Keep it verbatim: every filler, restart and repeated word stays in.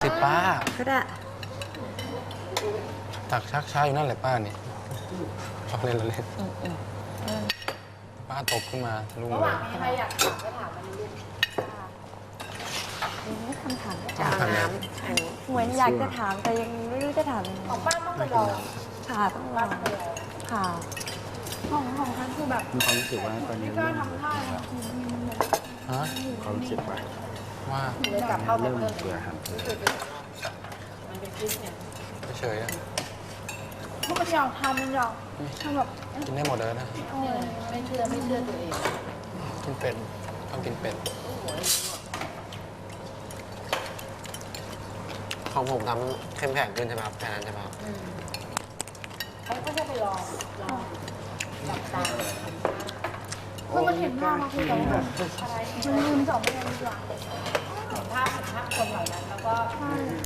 ป้าก็ได้ตักชักช้าอยู่นั่นแหละป้านี่ชอบเล่นละเล่นป้าตบขึ้นมาลุงระหเลว่าย งนี้ใครอยากถามก็ถามมันลูกนี่คำถามจะเอาน้อันนี้เหมือนอยากจะถามแต่ยังไม่รู้จะถามยังไงของป้าต้องไปลองค่ะต้องรป้าอต้องไปลองค่ะของของฉันคือแบบมีความรู้สึกว่าตอนนี้ไม่กล้าทำท่าเลยฮะความรู้สึกว่าว่าเลยกลับเข้าไปเริ่มเพิ่มเบื่ออาหารทะเลมันเป็นคลิปเนี่ยเฉยๆอะพวกมันอยากทำมันอยากทำแบบกินได้หมดเลยนะไม่เชื่อไม่เชื่อตัวเองกินเป็ดต้องกินเป็ดของผมทำเข้มแข็งขึ้นใช่ไหมครับแค่นั้นใช่ไหมครับเขาก็จะไปลองลองจับตาเมื่อมันเห็นภาพมาคือแบบอะไรมันลืมจบไปเลยดีกว่าเห็นภาพเห็นภาพคนเหล่านั้นแล้วก็